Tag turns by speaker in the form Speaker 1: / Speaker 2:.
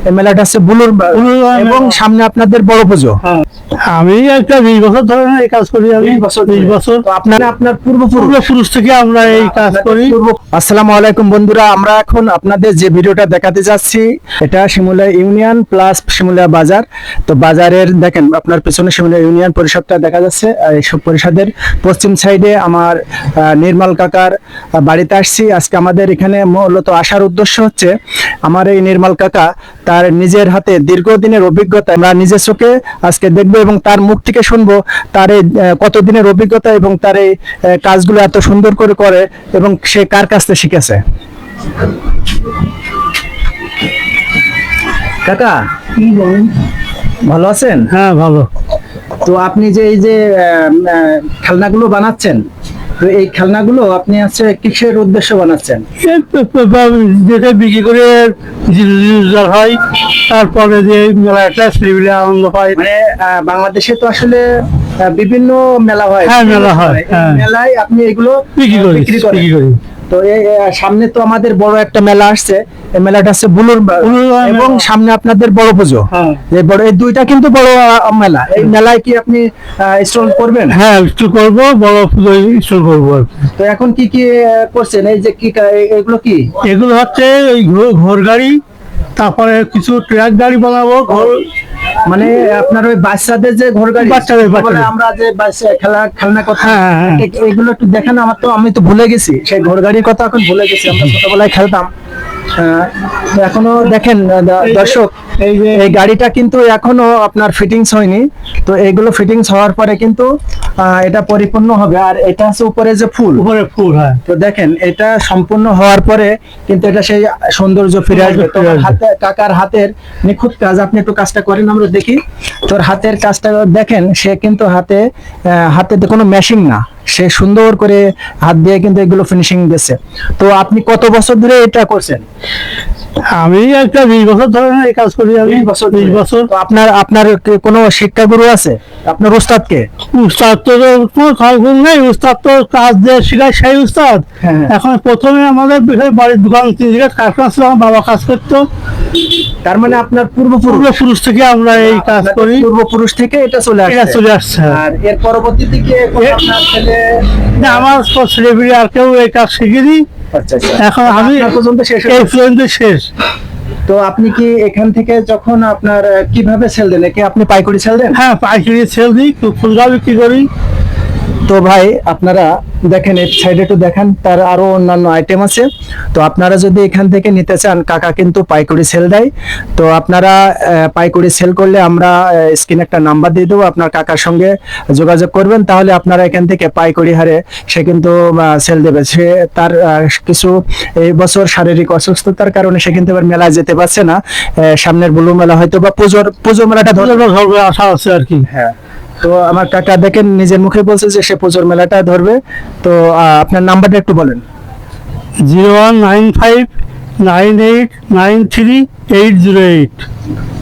Speaker 1: এই মেলাটা হচ্ছে বুলুর এবং সামনে আপনাদের বড় পুজো।
Speaker 2: আমি একটা 20 বছর ধরে এই কাজ করি। আমি 20 বছর।
Speaker 1: তো আপনার
Speaker 2: পূর্বপুরুষ থেকে আমরা এই কাজ করি।
Speaker 1: আসসালামু আলাইকুম বন্ধুরা, আমরা এখন আপনাদের যে ভিডিওটা দেখাতে যাচ্ছি এটা শিমুলিয়া ইউনিয়ন প্লাস শিমুলিয়া বাজার। তো বাজারের দেখেন আপনার পেছনে শিমুলিয়া ইউনিয়ন পরিষদটা দেখা যাচ্ছে। এইসব পরিষদের পশ্চিম সাইডে আমার নির্মল কাকার বাড়িতে আসছি। আজকে আমাদের এখানে মূলত আসার উদ্দেশ্য হচ্ছে আমার এই নির্মল কাকা তার নিজের হাতে দীর্ঘদিনের অভিজ্ঞতা আমরা নিজের চোখে আজকে দেখবো এবং তার মুখ থেকে শুনবো তার এই কতদিনের অভিজ্ঞতা এবং তার এই কাজগুলো এত সুন্দর করে করে এবং সে কার কাছ থেকে শিখেছে। কাকা ভালো আছেন?
Speaker 2: হ্যাঁ, ভালো।
Speaker 1: তো আপনি যে এই যে খেলনাগুলো বানাচ্ছেন, তো এই খেলনাগুলো আপনি হচ্ছে কিসের উদ্দেশ্যে বানাচ্ছেন?
Speaker 2: যেটা বিক্রি করে রোজগার হয়, তারপরে যে মেলাটা ছেলেপিলে আনন্দ পায়।
Speaker 1: মানে বাংলাদেশে তো আসলে বিভিন্ন মেলা হয়।
Speaker 2: হ্যাঁ, মেলা হয়।
Speaker 1: এই মেলায় আপনি এগুলো
Speaker 2: বিক্রি করি।
Speaker 1: তো এই সামনে তো আমাদের বড় একটা মেলা আসছে, এই মেলাটা হচ্ছে বুলুর এবং সামনে আপনাদের বড় পুজো। এই বড় এই দুইটা কিন্তু বড় মেলা। এই মেলায় কি আপনি স্টল করবেন?
Speaker 2: হ্যাঁ, স্টল করবো, বড় পুজো স্টল করবো।
Speaker 1: তো এখন কি কি করছেন? এই যে কি এগুলো কি?
Speaker 2: এগুলো হচ্ছে ওই ঘোড় গাড়ি, তারপরে কিছু ট্রাক গাড়ি বানাবো।
Speaker 1: মানে আপনার ওই বাচ্চাদের যে ঘোড় গাড়ি,
Speaker 2: বাচ্চাদের
Speaker 1: আমরা যে খেলনা কথা, এগুলো একটু দেখেন। আমি তো ভুলে গেছি সেই ঘোড় গাড়ির কথা, এখন ভুলে গেছি। আমরা ছোটবেলায় খেলতাম। এখনো দেখেন দর্শক, এই গাড়িটা কিন্তু এখনো আপনার ফিটিংস হয়নি। তো এগুলো ফিটিংস হওয়ার পরে কিন্তু এটা পরিপূর্ণ হবে। আর এটা হচ্ছে উপরে যে ফুল,
Speaker 2: হ্যাঁ।
Speaker 1: তো দেখেন এটা সম্পূর্ণ হওয়ার পরে কিন্তু এটা সেই সৌন্দর্য ফিরে আসবে। তো কাকার হাতের নিখুঁত কাজ, আপনি একটু কাজটা করেন আমরা দেখি। তোর হাতের কাজটা দেখেন, সে কিন্তু হাতে কোনো মেশিং না, সে সুন্দর করে হাত দিয়ে কিন্তু এগুলো ফিনিশিং দিয়েছে। তো আপনি কত বছর ধরে এটা করছেন?
Speaker 2: আমি একটা 20 বছর ধরে এই কাজ করি। আমি 20 বছর।
Speaker 1: তো আপনার কোনো শিক্ষাগুরু আছে? আপনার উস্তাদ কে?
Speaker 2: উস্তাদ তো কোনো খারাপ নেই, উস্তাদ তো কাজ দিয়ে শেখায় সেই উস্তাদ। এখন প্রথমে আমাদের বাড়ির দোকান 3 জায়গায় কারখানা ছিল, আমার বাবা কাজ করতো।
Speaker 1: তার মানে আপনার
Speaker 2: পূর্বপুরুষ থেকে আমরা এই কাজ করি।
Speaker 1: পূর্বপুরুষ থেকে এটা চলে আসছে। আর এর পরবর্তীতে কি আপনার ছেলে?
Speaker 2: না, আমার ছেলেপিলে আর কেউ এই কাজ শিখিনি।
Speaker 1: আচ্ছা,
Speaker 2: এখন আমি শেষ।
Speaker 1: তো আপনি কি এখান থেকে যখন আপনার কিভাবে সেল দেন? কি আপনি পাইকারি সেল দেন?
Speaker 2: হ্যাঁ, পাইকারি সেল দিই, খুচরা বিক্রি করি।
Speaker 1: তো ভাই আপনারা দেখেন এই সাইডে একটু দেখেন, তার আরো অন্যান্য আইটেম আছে। তো আপনারা যদি এখান থেকে নিতে চান, কাকা কিন্তু পাইকারি সেল দেয়। তো আপনারা পাইকারি সেল করলে আমরা স্ক্রিনে একটা নাম্বার দিয়ে দেবো, আপনার কাকার সঙ্গে যোগাযোগ করবেন, তাহলে আপনারা এখান থেকে পাইকারি হারে সে কিন্তু সেল দেবে। সে তার কিছু এই বছর শারীরিক অসুস্থতার কারণে সে কিন্তু এবার মেলায় যেতে পারছে না। সামনের বুলু মেলা হয়তো বা পুজোর মেলাটা ধরবে
Speaker 2: আশা আছে আর কি।
Speaker 1: হ্যাঁ, তো আমার কাকা দেখেন নিজের মুখে বলছে যে সে পুজোর মেলাটা ধরবে। তো আপনার নাম্বারটা একটু বলেন।
Speaker 2: 019598938808।